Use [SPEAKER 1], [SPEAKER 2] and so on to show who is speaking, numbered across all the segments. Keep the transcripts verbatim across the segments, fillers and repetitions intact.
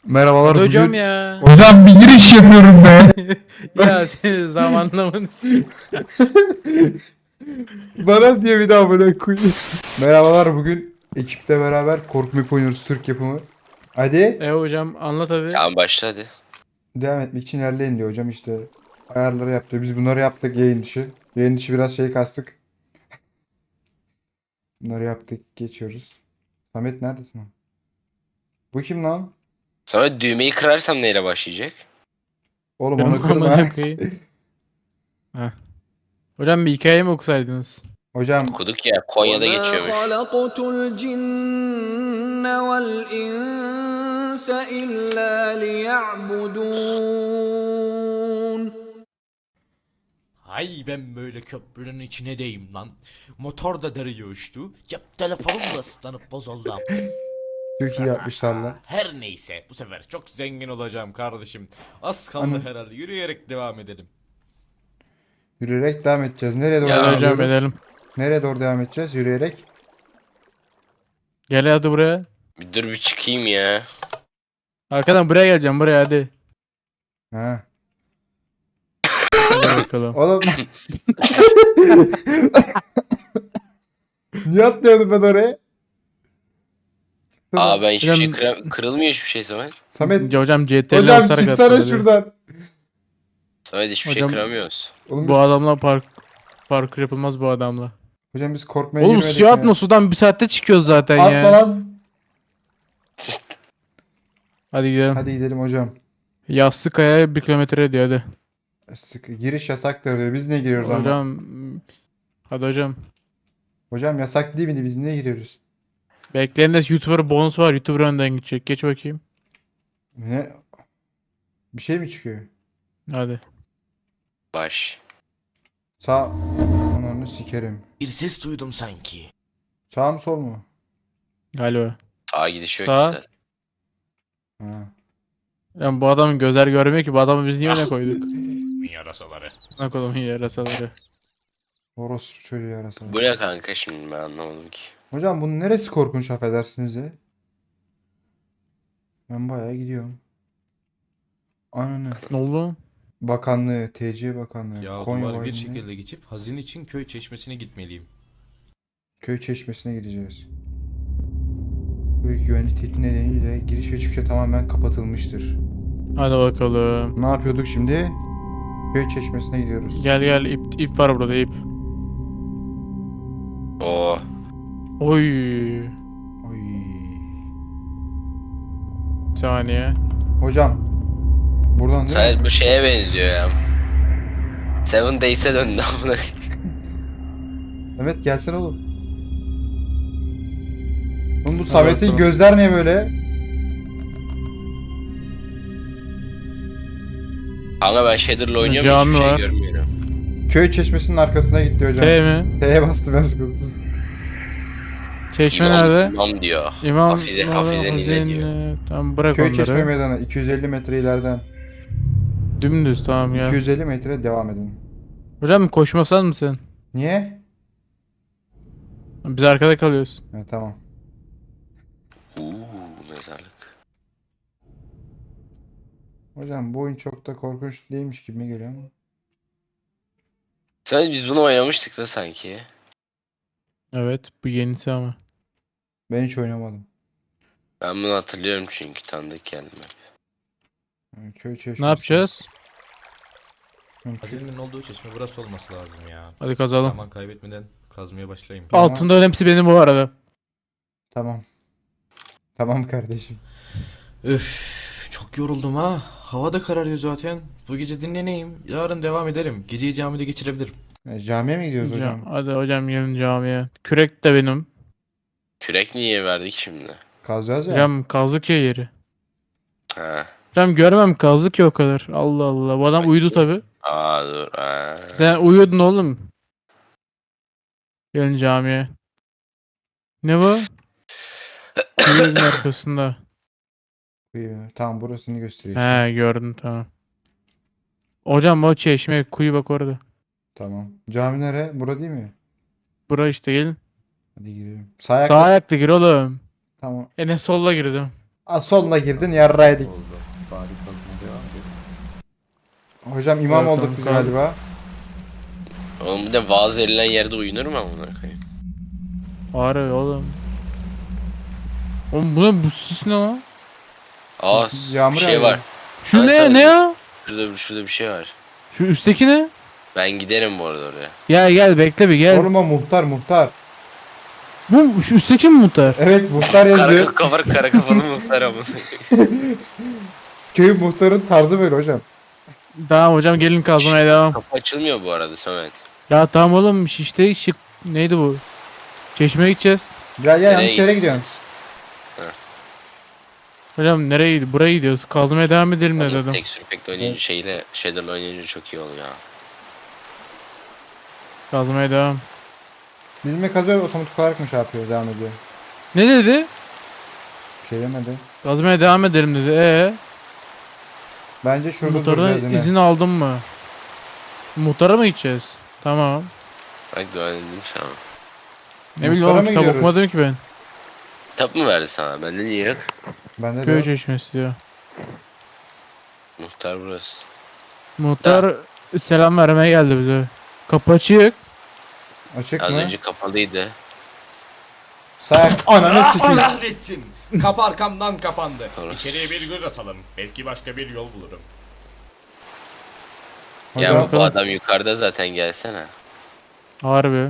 [SPEAKER 1] Merhabalar
[SPEAKER 2] Hadi hocam
[SPEAKER 1] bugün.
[SPEAKER 2] ya.
[SPEAKER 1] Hocam bir giriş yapıyorum be.
[SPEAKER 2] Ya senin zamanlamanı s-
[SPEAKER 1] Bana diye bir daha böyle koyayım. Merhabalar bugün ekiple beraber korku map oynuyoruz, Türk yapımı. Hadi
[SPEAKER 2] E hocam anlat hadi.
[SPEAKER 3] Tamam başla hadi.
[SPEAKER 1] devam etmek için ilerleyin diyor hocam, işte ayarları yaptı. Biz bunları yaptık yayın dışı. Yayın dışı biraz şey kastık. Bunları yaptık, geçiyoruz. Samet neredesin lan? Bu kim lan?
[SPEAKER 3] Sonra düğmeyi kırarsam neyle başlayacak?
[SPEAKER 1] Oğlum
[SPEAKER 2] Kırma
[SPEAKER 1] onu kırma.
[SPEAKER 2] amına koyayım. Heh. Hocam bir hikaye mi okusaydınız?
[SPEAKER 1] Hocam
[SPEAKER 3] Okuduk ya, Konya'da
[SPEAKER 4] وما
[SPEAKER 3] geçiyormuş.
[SPEAKER 4] خلقت الجن والإنس إلا ليعبدون.
[SPEAKER 5] Hay ben böyle köprünün içine deyim lan. Motor da deriye uçtu. Cep telefonum da ıslanıp bozuldu.
[SPEAKER 1] çok iyi yapmışlar lan.
[SPEAKER 5] Her neyse bu sefer çok zengin olacağım kardeşim. Az kaldı
[SPEAKER 1] Anam.
[SPEAKER 5] herhalde, yürüyerek devam edelim.
[SPEAKER 1] Yürüyerek devam edeceğiz. Nereye doğru
[SPEAKER 3] Ya
[SPEAKER 1] devam
[SPEAKER 2] Hadi hocam
[SPEAKER 1] ediyoruz?
[SPEAKER 2] edelim.
[SPEAKER 1] Nereye doğru devam edeceğiz? Yürüyerek.
[SPEAKER 2] Gel hadi buraya.
[SPEAKER 3] Bir dur bir çıkayım ya.
[SPEAKER 2] Arkadan buraya geleceğim buraya hadi.
[SPEAKER 1] Ha.
[SPEAKER 2] Hadi bakalım.
[SPEAKER 1] Oğlum. Niye atlıyordum ben oraya? Çıksana.
[SPEAKER 3] Aa ben hiçbir şey
[SPEAKER 2] Hocam-
[SPEAKER 3] kıra- kırılmıyor hiçbir şey Samet.
[SPEAKER 1] Samet.
[SPEAKER 2] Hocam C T L
[SPEAKER 1] Hocam
[SPEAKER 2] basarak
[SPEAKER 1] çıksana
[SPEAKER 2] atladı.
[SPEAKER 1] şuradan.
[SPEAKER 3] Samet hiçbir
[SPEAKER 2] Hocam-
[SPEAKER 3] şey kıramıyoruz.
[SPEAKER 1] Oğlum biz,
[SPEAKER 2] Bu adamla park parkur yapılmaz bu adamla.
[SPEAKER 1] hocam biz korkmaya
[SPEAKER 2] Oğlum
[SPEAKER 1] girmedik
[SPEAKER 2] suya
[SPEAKER 1] mi?
[SPEAKER 2] atma, sudan bir saatte çıkıyoruz zaten
[SPEAKER 1] Atma
[SPEAKER 2] ya.
[SPEAKER 1] lan.
[SPEAKER 2] Hadi gidelim.
[SPEAKER 1] Hadi gidelim hocam.
[SPEAKER 2] Yassıkaya bir kilometre ediyor hadi.
[SPEAKER 1] Sık, giriş yasaktır diyor. Biz niye giriyoruz ama?
[SPEAKER 2] Hocam. Hadi hocam.
[SPEAKER 1] Hocam yasak değil miydi? Biz niye giriyoruz?
[SPEAKER 2] Bekleyin de YouTuber bonus var. YouTuber önden gidecek. Geç bakayım.
[SPEAKER 1] Ne? Bir şey mi çıkıyor?
[SPEAKER 2] Hadi.
[SPEAKER 3] Baş.
[SPEAKER 1] Sağ. Ananı sikerim.
[SPEAKER 5] Bir ses duydum sanki.
[SPEAKER 1] Sağ mı sol mu?
[SPEAKER 2] Galiba.
[SPEAKER 3] Sağa gidiş yok
[SPEAKER 2] Sağ.
[SPEAKER 3] güzel.
[SPEAKER 1] Ha.
[SPEAKER 2] Yani bu adamın gözler görmüyor ki. Bu adamı biz niye öne koyduk?
[SPEAKER 5] Yarasaları.
[SPEAKER 2] Ne koydum yarasaları.
[SPEAKER 1] Orospu çocuğu yarasa.
[SPEAKER 3] Bu ne kanka şimdi ben anlamadım ki.
[SPEAKER 1] Hocam bunun neresi korkunç, affedersiniz ya? Ben bayağı gidiyorum. Ananı.
[SPEAKER 2] Ne oldu?
[SPEAKER 1] Bakanlığı, T C Bakanlığı,
[SPEAKER 5] Ya
[SPEAKER 1] Konya
[SPEAKER 5] duvar bir
[SPEAKER 1] Valiliği,
[SPEAKER 5] şekilde geçip hazin için köy çeşmesine gitmeliyim.
[SPEAKER 1] Köy Çeşmesi'ne gideceğiz. Büyük güvenlik tehdidi nedeniyle giriş ve çıkışa tamamen kapatılmıştır.
[SPEAKER 2] Hadi bakalım.
[SPEAKER 1] Ne yapıyorduk şimdi? Köy Çeşmesi'ne gidiyoruz.
[SPEAKER 2] Gel gel ip, ip var burada ip.
[SPEAKER 3] Oo.
[SPEAKER 2] Oy.
[SPEAKER 1] Oy.
[SPEAKER 2] Bir saniye.
[SPEAKER 1] Hocam. Buradan değil mi?
[SPEAKER 3] Samet bu şeye benziyor ya. Seven Days'e döndü amına.
[SPEAKER 1] Evet, gelsene oğlum. Oğlum bu
[SPEAKER 2] Hadi
[SPEAKER 1] Samet'in
[SPEAKER 2] bakalım.
[SPEAKER 1] gözler niye böyle?
[SPEAKER 3] Kanka ben Shader'la oynuyorum
[SPEAKER 2] Cami
[SPEAKER 3] hiçbir şey
[SPEAKER 2] var.
[SPEAKER 3] görmüyorum.
[SPEAKER 1] Köy Çeşmesi'nin arkasına gitti hocam.
[SPEAKER 2] T mi?
[SPEAKER 1] T'ye bastı ben sıkıntısız.
[SPEAKER 2] Çeşme
[SPEAKER 3] İmam,
[SPEAKER 2] nerede?
[SPEAKER 3] İmam diyor.
[SPEAKER 2] İmam.
[SPEAKER 3] Hafize- Hafize Nine diyor.
[SPEAKER 2] Nine. Tamam bırak
[SPEAKER 1] Köy Çeşme
[SPEAKER 2] onları.
[SPEAKER 1] Meydanı iki yüz elli metre ileriden.
[SPEAKER 2] Dümdüz tamam ya.
[SPEAKER 1] iki yüz elli metre devam edin.
[SPEAKER 2] Hocam koşmasan mısın?
[SPEAKER 1] Niye?
[SPEAKER 2] Biz arkada kalıyoruz.
[SPEAKER 1] Ha, tamam.
[SPEAKER 3] Uuu mezarlık.
[SPEAKER 1] Hocam bu oyun çok da korkunç değilmiş gibi mi geliyor ama?
[SPEAKER 3] Samet biz bunu oynamıştık da sanki.
[SPEAKER 2] Evet bu yenisi ama.
[SPEAKER 1] Ben hiç oynamadım.
[SPEAKER 3] Ben bunu hatırlıyorum çünkü tanıdık geldi.
[SPEAKER 1] Yani köy Çeşmesi.
[SPEAKER 2] Ne yapacağız?
[SPEAKER 5] Hazinin olduğu çeşme burası olması lazım ya.
[SPEAKER 2] Hadi kazalım.
[SPEAKER 5] Zaman kaybetmeden kazmaya başlayayım.
[SPEAKER 1] Tamam.
[SPEAKER 2] Altında hepsi benim bu arada.
[SPEAKER 1] Tamam. Tamam kardeşim.
[SPEAKER 5] Öf, çok yoruldum ha. Hava da kararıyor zaten. Bu gece dinleneyim. Yarın devam ederim. Geceyi camide geçirebilirim.
[SPEAKER 1] E, camiye mi gidiyoruz
[SPEAKER 2] Hocam,
[SPEAKER 1] hocam?
[SPEAKER 2] hadi hocam gelin camiye. Kürek de benim.
[SPEAKER 3] Kürek niye verdik şimdi?
[SPEAKER 1] Kazacağız ya.
[SPEAKER 2] Hocam kazdık ya yeri.
[SPEAKER 3] Ha.
[SPEAKER 2] Hocam görmem kazdık ya o kadar. Allah Allah. Bu adam uyudu tabi.
[SPEAKER 3] Aa dur. Aa.
[SPEAKER 2] Sen uyuyordun oğlum. Gelin camiye. Ne bu? Kuyunun arkasında.
[SPEAKER 1] İyi, tamam, burasını gösteriyor işte.
[SPEAKER 2] He gördüm tamam. Hocam o çeşme kuyu bak orada.
[SPEAKER 1] Tamam. Cami nere? Bura değil mi?
[SPEAKER 2] Bura işte gelin.
[SPEAKER 1] Hadi girelim. Sağ ayakla.
[SPEAKER 2] Sağ ayakla gir oğlum.
[SPEAKER 1] Tamam.
[SPEAKER 2] Enes solla girdim.
[SPEAKER 1] Aa, soluna girdin yarraydık.
[SPEAKER 6] Oldu. Bari kazma devam edelim.
[SPEAKER 1] Hocam imam
[SPEAKER 2] Evet,
[SPEAKER 1] olduk
[SPEAKER 2] tamam,
[SPEAKER 1] biz
[SPEAKER 2] tamam.
[SPEAKER 1] galiba.
[SPEAKER 3] Oğlum bir de vaaz verilen yerde uyunur mu amına koyayım?
[SPEAKER 2] Harbi oğlum. Oğlum bu ne, bu sis ne lan?
[SPEAKER 3] Aa
[SPEAKER 1] Yağmur
[SPEAKER 3] bir şey
[SPEAKER 1] yağıyor.
[SPEAKER 3] var.
[SPEAKER 2] Şu
[SPEAKER 3] Sana
[SPEAKER 2] ne
[SPEAKER 3] söyleyeyim.
[SPEAKER 2] ne ya?
[SPEAKER 3] Şurada, şurada bir şey var.
[SPEAKER 2] Şu üstteki ne?
[SPEAKER 3] Ben giderim bu arada oraya.
[SPEAKER 2] Gel gel bekle bir gel.
[SPEAKER 1] Oğlum o muhtar muhtar.
[SPEAKER 2] Bu şu üstteki mi muhtar?
[SPEAKER 1] Evet muhtar
[SPEAKER 3] Kara
[SPEAKER 1] yazıyor.
[SPEAKER 3] kafalı kara kafalı muhtar amına.
[SPEAKER 1] Köyün muhtarın tarzı böyle hocam.
[SPEAKER 2] Tamam hocam gelin kazmaya devam.
[SPEAKER 3] Kapı açılmıyor bu arada Samet.
[SPEAKER 2] Ya tamam oğlum işte şık neydi bu? Çeşmeye gideceğiz.
[SPEAKER 1] Gel gel
[SPEAKER 3] Nereye
[SPEAKER 1] yanlış yere gidiyorsun.
[SPEAKER 2] Hocam nereye gidiyoruz? Buraya gidiyoruz. Kazmaya devam edelim ne
[SPEAKER 3] Oğlum,
[SPEAKER 2] dedim.
[SPEAKER 3] tek sürpekle oynayınca şeyle Shader'la oynayınca çok iyi oluyor ya.
[SPEAKER 2] Kazmaya devam.
[SPEAKER 1] Bizim kazıyor otomatik olarak mı şey yapıyor devam ediyor?
[SPEAKER 2] Ne dedi?
[SPEAKER 1] Bir şey demedi.
[SPEAKER 2] Kazmaya devam edelim dedi. Ee,
[SPEAKER 1] Bence şurada
[SPEAKER 2] muhtardan
[SPEAKER 1] duracağız yine.
[SPEAKER 2] izin aldın mı? Muhtara mı gideceğiz? Tamam.
[SPEAKER 3] Bak dua edeyim sana.
[SPEAKER 2] Ne bileyim
[SPEAKER 1] Muhtara
[SPEAKER 2] oğlum
[SPEAKER 1] mı
[SPEAKER 2] kitap
[SPEAKER 1] gidiyoruz?
[SPEAKER 2] okumadım ki ben.
[SPEAKER 3] Kitap mı verdi sana? Bende niye yok?
[SPEAKER 1] Bende de
[SPEAKER 2] Köy
[SPEAKER 1] yok.
[SPEAKER 2] çeşmesi diyor.
[SPEAKER 3] Muhtar burası.
[SPEAKER 2] Muhtar selam vermeye geldi bize. Kapı açık.
[SPEAKER 1] Açık
[SPEAKER 3] Az
[SPEAKER 1] mı?
[SPEAKER 3] önce kapalıydı.
[SPEAKER 1] Sayak ananı sikeyim.
[SPEAKER 7] Kahretsin. Kapı arkamdan kapandı.
[SPEAKER 3] Orası.
[SPEAKER 7] İçeriye bir göz atalım. Belki başka bir yol bulurum.
[SPEAKER 3] Ya
[SPEAKER 1] Hocam,
[SPEAKER 3] bu adam yukarıda zaten gelsene.
[SPEAKER 2] Harbi.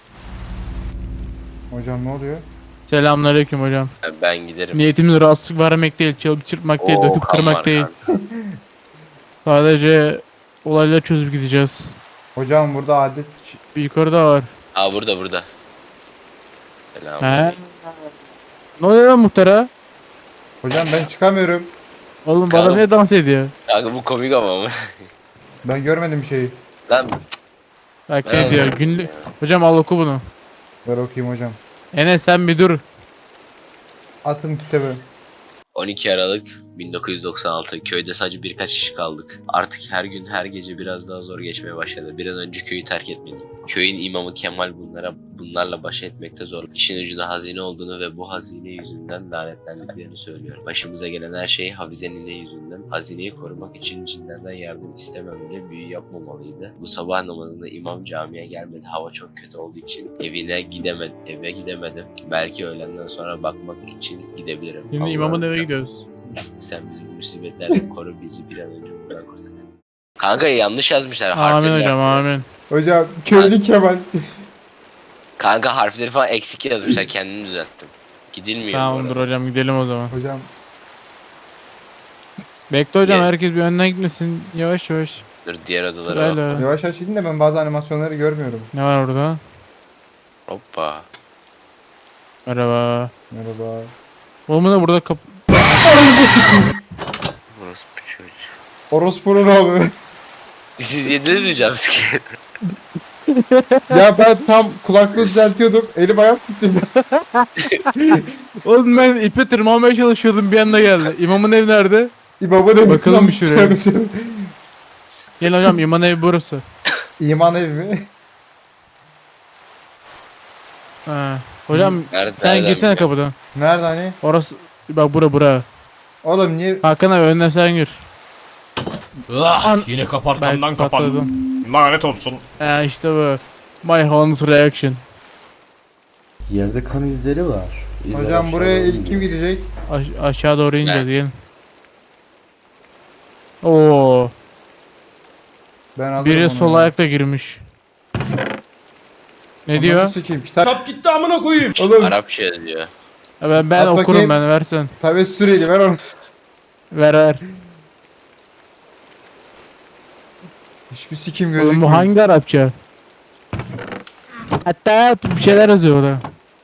[SPEAKER 1] hocam ne oluyor?
[SPEAKER 2] Selamünaleyküm hocam.
[SPEAKER 3] Ya ben giderim.
[SPEAKER 2] Niyetimiz rahatsızlık vermek değil, çalıp çırpmak değil,
[SPEAKER 3] Oo,
[SPEAKER 2] döküp
[SPEAKER 3] kan
[SPEAKER 2] kırmak
[SPEAKER 3] var
[SPEAKER 2] değil.
[SPEAKER 3] kan.
[SPEAKER 2] Sadece olayları çözüp gideceğiz.
[SPEAKER 1] Hocam burada adet
[SPEAKER 2] Bir yukarıda var.
[SPEAKER 3] Aa burada burada. Selam.
[SPEAKER 2] He. Ne oluyor lan muhtara?
[SPEAKER 1] hocam ben çıkamıyorum.
[SPEAKER 2] Oğlum bu
[SPEAKER 3] Kalın.
[SPEAKER 2] adam niye dans ediyor?
[SPEAKER 3] Kanka bu komik ama mı?
[SPEAKER 1] Ben görmedim bir şeyi.
[SPEAKER 3] Lan
[SPEAKER 2] Bak ne
[SPEAKER 3] Evet.
[SPEAKER 2] diyor günlük. Hocam al oku bunu.
[SPEAKER 1] Ver okuyayım hocam.
[SPEAKER 2] Enes sen bir dur.
[SPEAKER 1] Atın kitabı.
[SPEAKER 3] on iki Aralık bin dokuz yüz doksan altı köyde sadece birkaç kişi kaldık. Artık her gün her gece biraz daha zor geçmeye başladı. Bir an önce köyü terk etmeliyim. Köyün imamı Kemal bunlara bunlarla baş etmekte zor. İşin ucunda hazine olduğunu ve bu hazine yüzünden lanetlendiklerini söylüyor. Başımıza gelen her şey Hafize'nin ne yüzünden. Hazineyi korumak için cinlerden yardım istememeli, büyü yapmamalıydı. Bu sabah namazında imam camiye gelmedi. Hava çok kötü olduğu için evine gidemedim. Eve gidemedim. Belki öğlenden sonra bakmak için gidebilirim.
[SPEAKER 2] Şimdi
[SPEAKER 3] Allah'ım
[SPEAKER 2] imamın eve
[SPEAKER 3] ya.
[SPEAKER 2] gidiyoruz.
[SPEAKER 3] Sen bizi bu musibetlerden koru, bizi bir an önce buradan kurtar. Kanka yanlış yazmışlar
[SPEAKER 2] Amin
[SPEAKER 3] harfleri.
[SPEAKER 2] hocam amin.
[SPEAKER 1] Hocam köylü Kemal.
[SPEAKER 3] Kanka harfleri falan eksik yazmışlar, kendimi düzelttim. Gidilmiyor bu
[SPEAKER 2] Tamamdır
[SPEAKER 3] arada.
[SPEAKER 2] hocam gidelim o zaman.
[SPEAKER 1] hocam
[SPEAKER 2] Bekle hocam
[SPEAKER 3] Gel.
[SPEAKER 2] herkes bir önden gitmesin. Yavaş yavaş.
[SPEAKER 3] Dur diğer odalara bak.
[SPEAKER 2] Sırayla.
[SPEAKER 1] yavaş yavaş gidin de ben bazı animasyonları görmüyorum.
[SPEAKER 2] Ne var orada?
[SPEAKER 3] Hoppa.
[SPEAKER 2] Merhaba.
[SPEAKER 1] Merhaba.
[SPEAKER 2] Oğlum da burada kap...
[SPEAKER 3] Burası bu çocuk.
[SPEAKER 1] Orospu'nun oğlu.
[SPEAKER 3] Siz yediniz mi jumpscare?
[SPEAKER 1] Ya ben tam kulaklığı düzeltiyordum. Elim ayağım titredi.
[SPEAKER 2] Oğlum ben ipe tırmanmaya çalışıyordum bir anda geldi. İmamın evi nerede?
[SPEAKER 1] İmamın evi.
[SPEAKER 2] Bakalım
[SPEAKER 1] Lan,
[SPEAKER 2] bir şuraya.
[SPEAKER 1] tövbe tövbe.
[SPEAKER 2] Gel hocam imamın evi burası.
[SPEAKER 1] İman evi mi?
[SPEAKER 2] Ha. Hocam
[SPEAKER 3] Nerede,
[SPEAKER 2] sen
[SPEAKER 3] nereden
[SPEAKER 2] girsene
[SPEAKER 3] biliyorum?
[SPEAKER 2] kapıdan.
[SPEAKER 1] Nerede hani?
[SPEAKER 2] Orası bak bura bura.
[SPEAKER 1] Oğlum niye?
[SPEAKER 2] Hakan abi önden sen gir.
[SPEAKER 7] Ah,
[SPEAKER 2] An-
[SPEAKER 7] yine kapı arkamdan
[SPEAKER 2] Belki
[SPEAKER 7] kapandı.
[SPEAKER 2] patladım.
[SPEAKER 7] Lanet olsun.
[SPEAKER 2] Ha işte bu. My Holmes reaction.
[SPEAKER 6] Yerde kan izleri var. İzler
[SPEAKER 1] Hocam
[SPEAKER 6] aşağı
[SPEAKER 1] buraya
[SPEAKER 6] doğru
[SPEAKER 1] ilk kim
[SPEAKER 6] gidiyor.
[SPEAKER 1] gidecek?
[SPEAKER 2] Aş- aşağı doğru ineceğiz
[SPEAKER 3] Ben.
[SPEAKER 2] gelin. Oo,
[SPEAKER 1] Ben alırım
[SPEAKER 2] biri
[SPEAKER 1] onu
[SPEAKER 2] sol
[SPEAKER 1] ya.
[SPEAKER 2] ayakla girmiş. Ne
[SPEAKER 1] Ananı
[SPEAKER 2] diyor?
[SPEAKER 1] sikeyim. Kitap.
[SPEAKER 7] Kap gitti amına koyayım.
[SPEAKER 1] Oğlum
[SPEAKER 3] Arapça yazıyor.
[SPEAKER 2] Ha, Ben ben
[SPEAKER 1] At
[SPEAKER 2] okurum
[SPEAKER 1] bakayım.
[SPEAKER 2] ben versen.
[SPEAKER 1] tabi süreli ver onu.
[SPEAKER 2] Ver ver.
[SPEAKER 1] Hiçbir sikim
[SPEAKER 2] Oğlum
[SPEAKER 1] gözükmüyor.
[SPEAKER 2] bu hangi Arapça? Hatta bir şeyler yazıyor orada.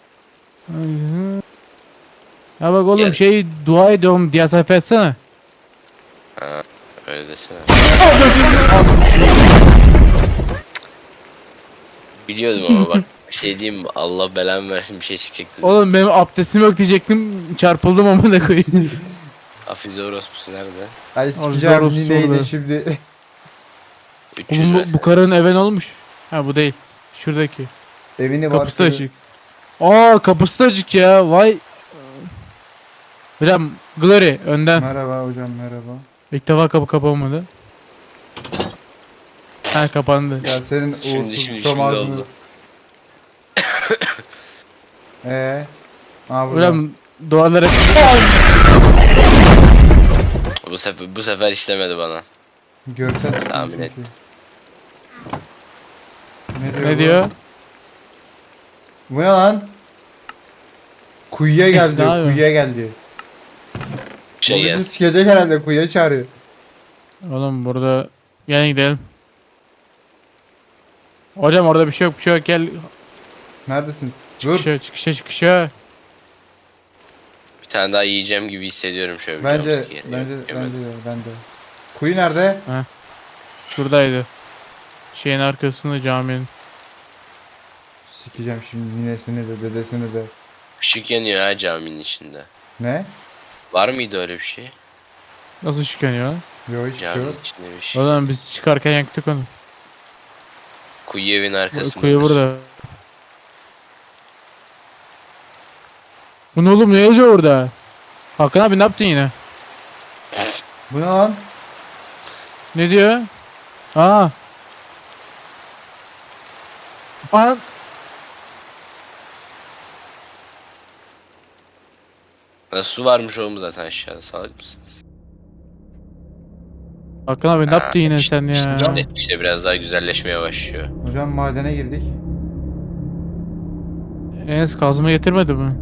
[SPEAKER 2] Ya bak oğlum
[SPEAKER 3] Gel.
[SPEAKER 2] şey dua ediyorum diye sayfa etsene.
[SPEAKER 3] Ha, öyle desene. Biliyordum ama bak bir şey diyeyim mi? Allah belamı versin bir şey çıkacaktı.
[SPEAKER 2] Oğlum benim abdestim yok diyecektim çarpıldım ama da koyayım.
[SPEAKER 3] Hafize orospusu nerede?
[SPEAKER 1] Ay
[SPEAKER 2] Orada
[SPEAKER 1] sikeceğim
[SPEAKER 2] orası
[SPEAKER 1] neydi
[SPEAKER 2] orada.
[SPEAKER 1] şimdi.
[SPEAKER 3] üç yüz
[SPEAKER 2] Oğlum
[SPEAKER 3] ver.
[SPEAKER 2] bu, bu karının eve ne olmuş? Ha bu değil. Şuradaki.
[SPEAKER 1] Evini var.
[SPEAKER 2] Kapısı da açık. Aa kapısı da açık ya. Vay. Hocam Glory önden.
[SPEAKER 1] Merhaba hocam merhaba.
[SPEAKER 2] İlk defa kapı kapanmadı. Ha kapandı.
[SPEAKER 1] Ya senin
[SPEAKER 3] Şimdi,
[SPEAKER 1] uğursuz
[SPEAKER 3] şimdi, şimdi
[SPEAKER 1] şom ağzını.
[SPEAKER 3] oldu.
[SPEAKER 1] Eee? Aa burada.
[SPEAKER 2] Hocam duvarlara
[SPEAKER 3] Bu sefer, bu sefer işlemedi bana.
[SPEAKER 1] Görsel çıktı
[SPEAKER 3] Tahmin
[SPEAKER 1] çünkü.
[SPEAKER 3] et.
[SPEAKER 1] Ne diyor?
[SPEAKER 2] ne
[SPEAKER 1] bu?
[SPEAKER 2] diyor?
[SPEAKER 1] Bu ne lan? Kuyuya
[SPEAKER 2] Neyse,
[SPEAKER 1] geldi,
[SPEAKER 2] ne yapıyor?
[SPEAKER 1] kuyuya geldi.
[SPEAKER 3] Şey
[SPEAKER 1] Bu
[SPEAKER 3] gel.
[SPEAKER 1] bizi sikecek herhalde, kuyuya çağırıyor.
[SPEAKER 2] Oğlum burada gel gidelim. Hocam orada bir şey yok bir şey yok gel.
[SPEAKER 1] Neredesiniz? Dur.
[SPEAKER 2] Çıkışa çıkışa çıkışa.
[SPEAKER 3] Bir tane daha yiyeceğim gibi hissediyorum şöyle bir
[SPEAKER 1] Bence,
[SPEAKER 3] jumpscare.
[SPEAKER 1] bence,
[SPEAKER 3] Yok,
[SPEAKER 1] bence
[SPEAKER 3] yemedim.
[SPEAKER 1] de, bence. Kuyu nerede?
[SPEAKER 2] Şuradaydı. Şeyin arkasında caminin.
[SPEAKER 1] Sikeceğim şimdi ninesini de, dedesini de.
[SPEAKER 3] Işık yanıyor ha caminin içinde.
[SPEAKER 1] Ne?
[SPEAKER 3] Var mıydı öyle bir şey?
[SPEAKER 2] Nasıl çıkanıyor lan?
[SPEAKER 1] Yok hiçbir şey
[SPEAKER 3] Caminin
[SPEAKER 1] yok.
[SPEAKER 3] içinde bir şey.
[SPEAKER 2] O zaman biz çıkarken yaktık onu.
[SPEAKER 3] Kuyu evin arkasında.
[SPEAKER 2] Kuyu burada. Bu ne oğlum ne yazıyor orada? Hakan abi ne yaptın yine?
[SPEAKER 1] Bu ne lan?
[SPEAKER 2] Ne diyor? Aa. Aa.
[SPEAKER 3] Ha, su varmış oğlum zaten aşağıda, salak mısınız?
[SPEAKER 2] Hakan abi ne
[SPEAKER 3] Ha,
[SPEAKER 2] yaptın yine
[SPEAKER 3] işte-
[SPEAKER 2] sen ya?
[SPEAKER 3] İşte, işte biraz daha güzelleşmeye başlıyor.
[SPEAKER 1] Hocam madene girdik.
[SPEAKER 2] Enes kazma getirmedi mi?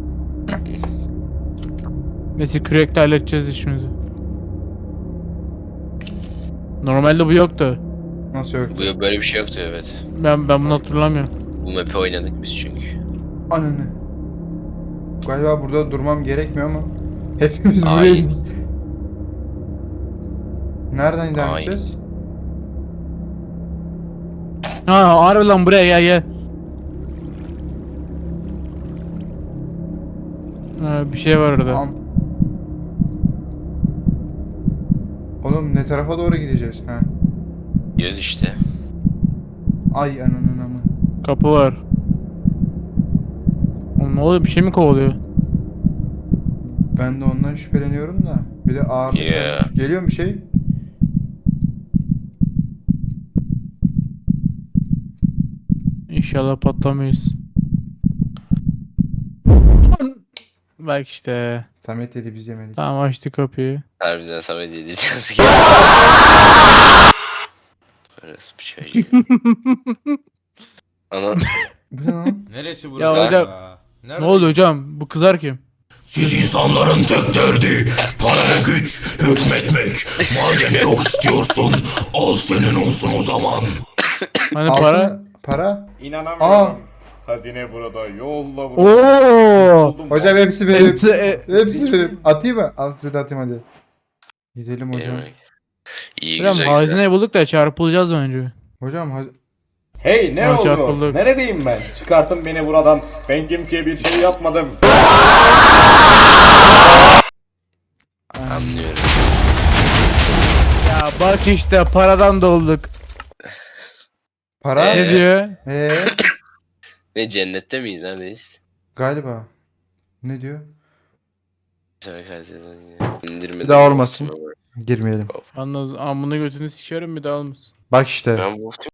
[SPEAKER 2] Neyse kürekle halledeceğiz işimizi. Normalde bu yoktu.
[SPEAKER 1] Nasıl yok?
[SPEAKER 3] Bu böyle bir şey yoktu, evet.
[SPEAKER 2] Ben ben bunu hatırlamıyorum.
[SPEAKER 3] Bu map'i oynadık biz çünkü.
[SPEAKER 1] Ananı. Galiba burada durmam gerekmiyor ama. Hepimiz buraya
[SPEAKER 3] Ay.
[SPEAKER 1] indik. Nereden devam
[SPEAKER 3] Ay.
[SPEAKER 1] edeceğiz?
[SPEAKER 2] Ha harbi lan buraya gel gel. Ha, bir şey var orada.
[SPEAKER 1] Am- Oğlum ne tarafa doğru gideceğiz? Ha.
[SPEAKER 3] Diyoruz işte.
[SPEAKER 1] Ay ananın amı.
[SPEAKER 2] Kapı var. Oğlum ne oluyor bir şey mi kovalıyor?
[SPEAKER 1] Ben de ondan şüpheleniyorum da. Bir de ağırlık
[SPEAKER 3] Yeah.
[SPEAKER 1] gelmiş. Geliyor mu bir şey?
[SPEAKER 2] İnşallah patlamayız. Bak işte.
[SPEAKER 1] Samet dedi biz yemedik.
[SPEAKER 2] Tamam açtı kapıyı.
[SPEAKER 3] Harbiden Samet yedireceğim. Orası bir şey. Ana.
[SPEAKER 1] Bu ne lan?
[SPEAKER 5] Neresi burası?
[SPEAKER 2] Ya hocam,
[SPEAKER 5] Nerede?
[SPEAKER 2] Ne oluyor hocam? Bu kızar kim?
[SPEAKER 7] Siz insanların tek derdi para ve güç hükmetmek. Madem çok istiyorsun al senin olsun o zaman.
[SPEAKER 2] Hani
[SPEAKER 1] Altın-
[SPEAKER 2] para?
[SPEAKER 1] Para?
[SPEAKER 7] İnanamıyorum.
[SPEAKER 1] Aa.
[SPEAKER 7] Hazine burada, yolla burada.
[SPEAKER 2] Oo!
[SPEAKER 1] Hocam hepsi benim.
[SPEAKER 2] Hepsi, e,
[SPEAKER 1] Hepsi benim. Atayım mı? Al size de atayım hadi. Gidelim hocam.
[SPEAKER 3] Yemek. İyi
[SPEAKER 2] hocam
[SPEAKER 3] güzel güzel.
[SPEAKER 2] hazineyi bulduk da çarpılacağız önce.
[SPEAKER 1] Hocam hadi.
[SPEAKER 6] Hey ne
[SPEAKER 2] Ha,
[SPEAKER 6] oldu?
[SPEAKER 2] çarpıldık.
[SPEAKER 6] Neredeyim ben? Çıkartın beni buradan. Ben kimseye bir şey yapmadım.
[SPEAKER 3] Anlıyorum.
[SPEAKER 2] Ya bak işte paradan dolduk.
[SPEAKER 1] Para?
[SPEAKER 3] Ee?
[SPEAKER 2] Ne diyor?
[SPEAKER 1] Ee,
[SPEAKER 3] Ne cennette miyiz, neredeyiz?
[SPEAKER 1] galiba. Ne diyor?
[SPEAKER 3] İndirmeden.
[SPEAKER 1] Bir daha olmasın. Girmeyelim.
[SPEAKER 2] Yalnız amına götünü sikerim bir daha almasın.
[SPEAKER 1] Bak işte.
[SPEAKER 3] Ben bu